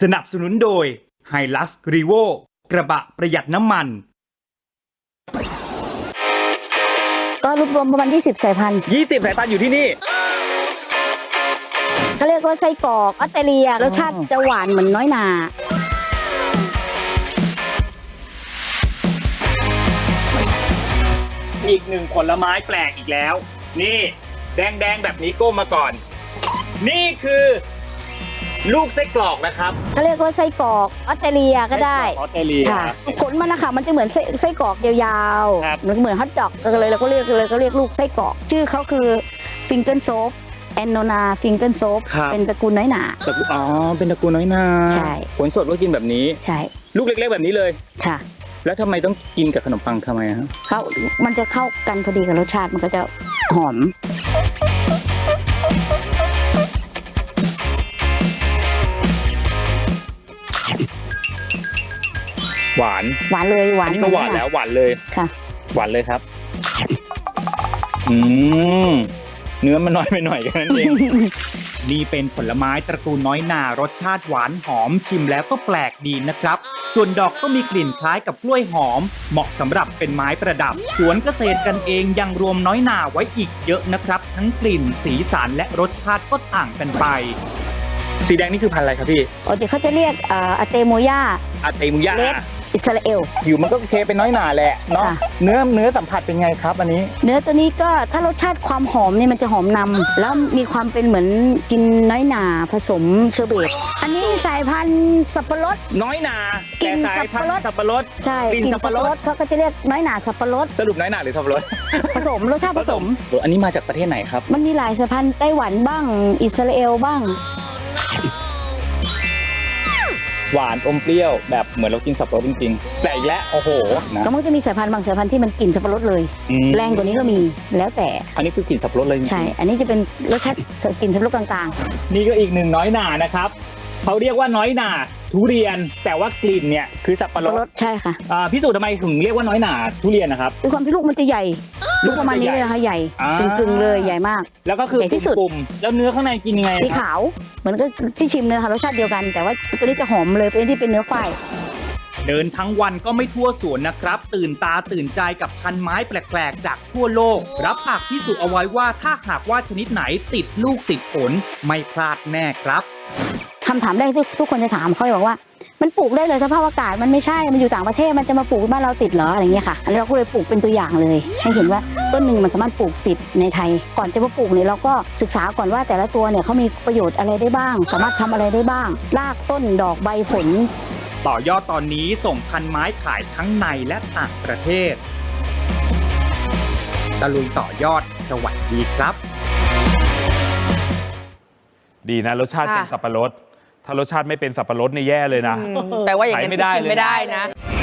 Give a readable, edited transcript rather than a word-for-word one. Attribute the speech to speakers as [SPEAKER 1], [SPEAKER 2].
[SPEAKER 1] สนับสนุนโดย Hilux Revo กระบะประหยัดน้ำมัน
[SPEAKER 2] ก็รวบรวมประมาณ20 สายพันธุ์
[SPEAKER 1] 20 สายพันธุ์อยู่ที่นี่
[SPEAKER 2] เขาเรียกว่าไส้กรอกออสเตรเลียรสชาติจะหวานเหมือนน้อยนา
[SPEAKER 1] อีกหนึ่งผลไม้แปลกอีกแล้วนี่แดงๆแบบนี้ก้มมาก่อนนี่คือลูกไส้กรอกนะครับ
[SPEAKER 2] เขาเรียกว่าไส้กรอกออสเตรเลียก็ได้
[SPEAKER 1] ออสเตรเลีย
[SPEAKER 2] ค่ะผลมันนะคะมันจะเหมือนไส้กรอกยาวๆเหมือนฮอทดอกเลยเราก็เรียกลูกไส้กรอกชื่อเขาคือฟิงเกิลโซฟแอนโนนาฟิงเกิลโซฟเป็นตระกูลน้อยหนา
[SPEAKER 1] อ๋อเป็นตระกูลน้อยหนา
[SPEAKER 2] ใช่
[SPEAKER 1] ผลสดก็กินแบบนี้
[SPEAKER 2] ใช่
[SPEAKER 1] ลูกเล็กๆแบบนี้เลย
[SPEAKER 2] ค่ะ
[SPEAKER 1] แล้วทำไมต้องกินกับขนมปังทำไมครับ
[SPEAKER 2] มันจะเข้ากันพอดีกับรสชาติมันก็จะหอม
[SPEAKER 1] หวาน
[SPEAKER 2] เลยหวาน
[SPEAKER 1] นี่ก็หวานแล้วหวานเลย
[SPEAKER 2] ค่ะ
[SPEAKER 1] หวานเลยครับเนื้อมันน้อยไปหน่อยแค่นั้นเอง นี่เป็นผลไม้ตระกูลน้อยนารสชาติหวานหอมชิมแล้วก็แปลกดีนะครับส่วนดอกก็มีกลิ่นคล้ายกับกล้วยหอมเหมาะสำหรับเป็นไม้ประดับสวนเกษตรกันเองยังรวมน้อยนาไว้อีกเยอะนะครับทั้งกลิ่นสีสันและรสชาติก็ต่างกันไปสีแดงนี่คือพันธุ์อะไรครับพี่
[SPEAKER 2] เขาจะเรียกอาเตโมยาเลดอิสราเอล
[SPEAKER 1] ผิวมันก็โอเคเป็นน้อยหนาแหละเนาะเนื้อสัมผัสเป็นไงครับอันนี้
[SPEAKER 2] เนื้อตัวนี้ก็ถ้ารสชาติความหอมนี่มันจะหอมนำแล้วมีความเป็นเหมือนกินน้อยหนาผสมเชอร์เบตอันนี้สายพันธุ์สับปะรด
[SPEAKER 1] น้อยหนากินสับปะรด
[SPEAKER 2] ใช่กินสับปะรดเขาก็จะเรียกน้อยหนาสับปะรด
[SPEAKER 1] สรุปน้อยหนาหรือสับปะรด
[SPEAKER 2] ผสมรสชาติผสม
[SPEAKER 1] อันนี้มาจากประเทศไหนครับ
[SPEAKER 2] มันมีหลายสายพันธุ์ไต้หวันบ้างอิสราเอลบ้าง
[SPEAKER 1] หวานอมเปรี้ยวแบบเหมือนเรากินสับปะรดจริงๆแต่อีกแล้วโอ้โห
[SPEAKER 2] ก็มันจะมีสายพันธุ์บางสายพันธุ์ที่มันกลิ่นสับปะรดเลยแรงกว่านี้ก็มีแล้วแต่
[SPEAKER 1] อันนี้คือกลิ่นสับปะรดเลย
[SPEAKER 2] ใช่อันนี้จะเป็นรสชาติกลิ่นสับปะรดกลาง
[SPEAKER 1] ๆนี่ก็อีกหนึ่งน้อยหนานะครับเขาเรียกว่าน้อยหนาทุเรียนแต่ว่ากลิ่นเนี่ยคือสับปะรด
[SPEAKER 2] ใช่ค่ะ
[SPEAKER 1] พี่สุทำไมถึงเรียกว่าน้อยหนาทุเรียนนะครับ
[SPEAKER 2] ด้วยความที่ลูกมันจะใหญ่ลูกประมาณนี้เลยค่ะใหญ่กึ่งเลยใหญ่มาก
[SPEAKER 1] แล้วก็คือ
[SPEAKER 2] ที่สุด
[SPEAKER 1] ปุ่มแล้วเนื้อข้างในกินยังไง
[SPEAKER 2] สีขาวเหมือนก็ที่ชิมเลยค่ะรสชาติเดียวกันแต่ว่าตัวนี้จะหอมเลยตัวนี้ที่เป็นเนื้อฝ้าย
[SPEAKER 1] เดินทั้งวันก็ไม่ทั่วสวนนะครับตื่นตาตื่นใจกับพันไม้แปลกๆจากทั่วโลกรับปากพิสูจน์เอาไว้ว่าถ้าหากว่าชนิดไหนติดลูกติดผลไม่พลาดแน่ครับ
[SPEAKER 2] คำถามแรกที่ทุกคนจะถามเขาบอกว่ามันปลูกได้เลยสภาพอากาศมันไม่ใช่มันอยู่ต่างประเทศมันจะมาปลูกบ้านเราติดเหรออะไรเงี้ยค่ะอันนี้เราก็เลยปลูกเป็นตัวอย่างเลยให้เห็นว่าต้นหนึ่งมันสามารถปลูกติดในไทยก่อนจะมาปลูกเนี่ยเราก็ศึกษาก่อนว่าแต่ละตัวเนี่ยเขามีประโยชน์อะไรได้บ้างสามารถทำอะไรได้บ้างรากต้นดอกใบผล
[SPEAKER 1] ต่อยอดตอนนี้ส่งพันไม้ขายทั้งในและต่างประเทศตะลุยต่อยอดสวัสดีครับ
[SPEAKER 3] ดีนะรสชาติเป็นสับปะรดถ้ารสชาติไม่เป็นสับปะรดนี่แย่เลยนะ
[SPEAKER 4] แปลว่าอย่างนั้นกินไม่ได้นะ